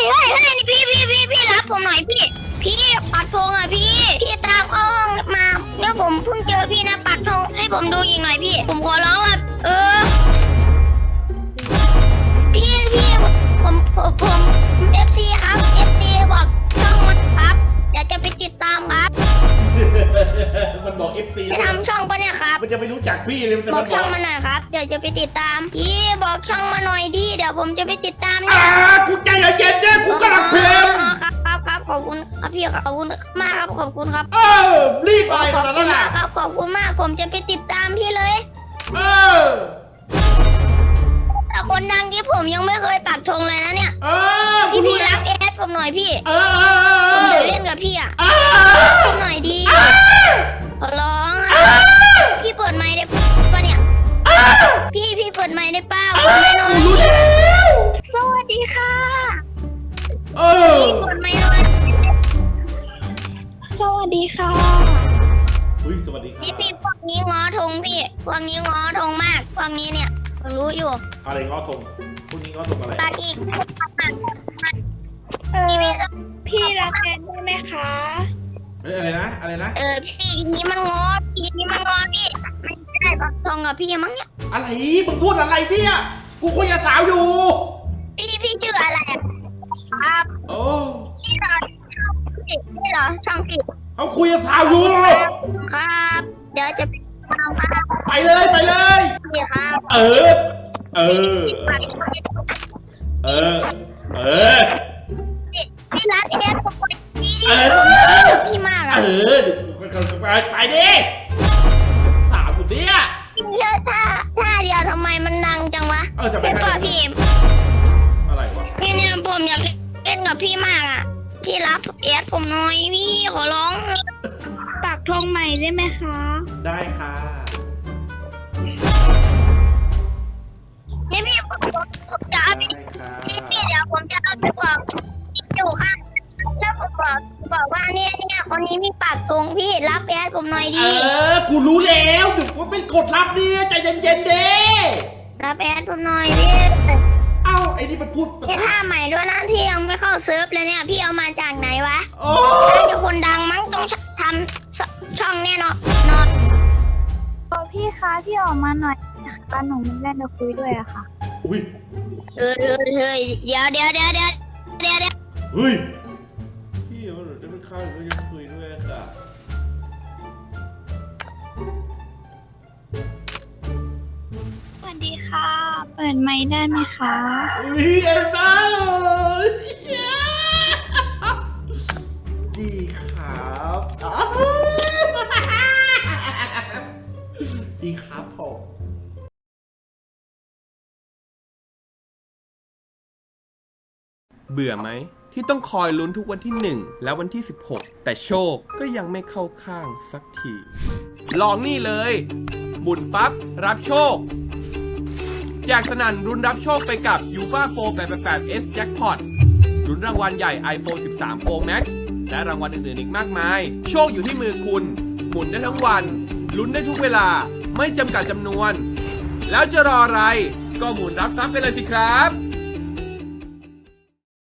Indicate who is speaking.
Speaker 1: พี่รับผมหน่อยพี่ปักธงอ่ะพี่ตามเข้าห้องมาแล้วผมเพิ่งเจอพี่นะปักธงให้ผมดูอีกหน่อยพี่ผมขอร้องอ่ะพี่ผมFC ครับ FC บอกช่องมันครับเดี๋ยวจะไปติดตามครับ
Speaker 2: มันบอก FC
Speaker 1: จะทำช่องปะเนี่ยครับ
Speaker 2: มันจะไม่รู้จักพี่เลยมันจะ
Speaker 1: บอ
Speaker 2: มาก
Speaker 1: ช่องมาหน่อยครับเดี๋ยวจะไปติดตามพี่บอกช่องมาหน่อยดิเดี๋ยวผมจะไปติดตามเนี่ย
Speaker 2: กูใจเย็นๆเนี่ยกูกำลังเพลง
Speaker 1: ครับขอบคุณครับพี่ขอบคุณมากครับขอบคุณครับ
Speaker 2: รีบอะไรขนาดนั้น
Speaker 1: มา
Speaker 2: น่ะ
Speaker 1: กครับขอบคุณมากผมจะไปติดตามพี่เลย แต่คนดังที่ผมยังไม่เคยปักธงเลยนะเนี่ยพี่รับแอดผมหน่อยพี่ผมจะเล่นกับพี่อ่ะผมหน่อยดีขอร้องพี่เปิดไมค์ได้ปะเนี่ยพี่เปิดไมค์ได้ป้าผมไม่น้อยสวัสดีค่ะพี่เปิดไมค์หน่อยสวัสดีค่ะ
Speaker 2: สวัสดีครับ
Speaker 1: พี่พวกนี้ง้อธงพี่พวกนี้ง้อธงมากพวกนี้เนี่ยผมรู้อยู่
Speaker 2: อะไรง้อธงพวกนี้ง้อธงอะไร
Speaker 1: ปากอีก
Speaker 3: พี่รับแทนได้ไหมคะ
Speaker 2: อะไรนะ
Speaker 1: พี่นี้มันง้อพี่ไม่ได้ปักธงกับพี่มั้งเนี่ย
Speaker 2: อะไรมึงพูดอะไรเนี่ยกูคุยกับสาวอยู่
Speaker 1: พี่ชื่ออะไรครับ
Speaker 2: โอ้
Speaker 1: พี่เหรอช่องพี่
Speaker 2: เขาคุยกับสาวอยู่
Speaker 1: ครับเดี๋ยวจะไปตามครับ
Speaker 2: ไปเลย
Speaker 1: พี่ครับ พี่รักเอสผมพี่มากอ่ะ
Speaker 2: ไปดิสาวอยู่เนี่ย
Speaker 1: เชื่อท่าเดียวทำไมมันดังจังวะ
Speaker 2: จะไป
Speaker 1: เป็นป่ะพี่
Speaker 2: อะไรวะ
Speaker 1: พี่เนี่ยผมอยากเล่นกับพี่มากอ่ะพี่รับเอสผมหน่อยพี่ขอร้อง
Speaker 3: ปักธงใหม่ได้ไหมคะ
Speaker 2: ได้ค่ะ
Speaker 1: นี่พี่ผมจะเอาไปพี่เดี๋ยวผมจะเอาไปบอกอยู่ข้างแล้วผมบอกว่าเนี่ยคนนี้มีปากตรงพี่รับแอดผมหน่อยดิ
Speaker 2: กูรู้แล้วเดี๋ยวกูเป็นกดรับเนี่ยใจเย็นๆเด้
Speaker 1: รับแอดผมหน่อยพี่
Speaker 2: เอ้าไอ้นี่มันพูด
Speaker 1: นี่ท่าใหม่ด้วยนะที่ยังไม่เข้าเซิร์ฟเลยเนี่ยพี่เอามาจากไหนวะ
Speaker 2: โอ้
Speaker 1: น่าจะคนดังมั้งต้องทำช่องแน่นอน
Speaker 3: พี่คะพี่ออกมาหน่อยนะคะหนูมีเรื่องจะคุยด้วยอะค่ะ
Speaker 2: อุ้ย
Speaker 1: เฮ้ยเดี๋ยว
Speaker 2: เฮ้ยพี่เอาหนูจะไปเข้าหนูจะคุยด้วยค่ะ
Speaker 3: สวัสดีค่ะ เปิดไมค์ได้ไหมคะ
Speaker 2: อุ้ยเอ็นบ้าดีครับดีครับผม
Speaker 4: เบื่อไหมที่ต้องคอยลุ้นทุกวันที่ 1 และวันที่ 16 แต่โชคก็ยังไม่เข้าข้างสักที ลองนี่เลยหมุนปั๊บ รับโชค แจกสนั่นรุนรับโชคไปกับ UFA 488S Jackpot ลุ้นรางวัลใหญ่ iPhone 13 Pro Max และรางวัลอื่นๆอีกมากมาย โชคอยู่ที่มือคุณ หมุนได้ทั้งวันลุ้นได้ทุกเวลาไม่จำกัดจำนวน แล้วจะรออะไรก็หมุนรับทรัพย์ไปเลยสิครับ